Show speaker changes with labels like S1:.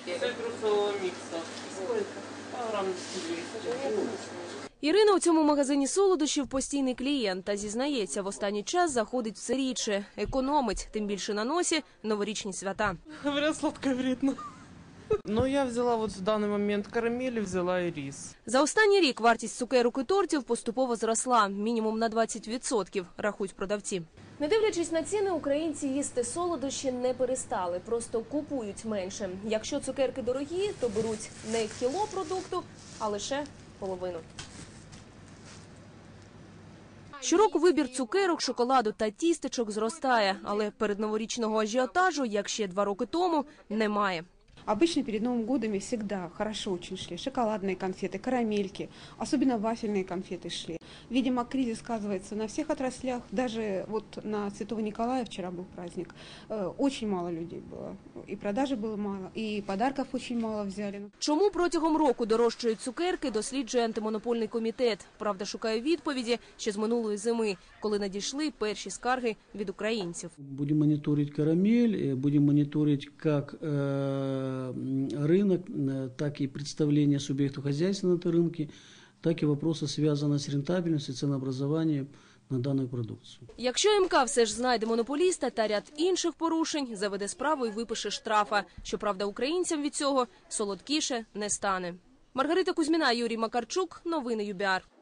S1: Цитрусового микса. Сколько? Грамм 200.
S2: Ірина у цьому магазині солодощів постійний клієнт, та зізнається, в останній час заходить все рідше. Економить, тим більше на носі новорічні свята.
S1: Говорят, сладкое вредно. Ну, я взяла вот в данный момент карамель, взяла и рис.
S2: За останній рік вартість цукерок і тортів поступово зросла. Мінімум на 20%, рахують продавці. Не дивлячись на ціни, українці їсти солодощі не перестали, просто купують менше. Якщо цукерки дорогі, то беруть не кіло продукту, а лише половину. Щороку вибір цукерок, шоколаду та тістечок зростає, але передноворічного ажіотажу, як ще 2 роки тому, немає.
S3: Обычно перед Новым годом всегда хорошо очень шли шоколадные конфеты, карамельки, особенно вафельные конфеты шли. Видимо, кризис сказывается на всех отраслях, даже вот на Святого Николая вчера был праздник, очень мало людей было, и продажи было мало, и подарков очень мало взяли.
S2: Чому протягом року дорожчають цукерки, досліджує антимонопольний комітет. Правда, шукає відповіді ще з минулої зими, коли надійшли перші скарги від українців.
S4: Будем мониторить карамель, будем мониторить как рынок, так и представление субъектов хозяйства на этом рынке, так и вопросы, связанные с рентабельностью, ценообразованием на данную продукцию.
S2: Якщо МК все ж знайде монополіста та ряд інших порушень, заведе справу і випише штрафа. Щоправда, українцям від цього солодкіше не стане. Маргарита Кузьміна, Юрій Макарчук. Новини ЮБІАР.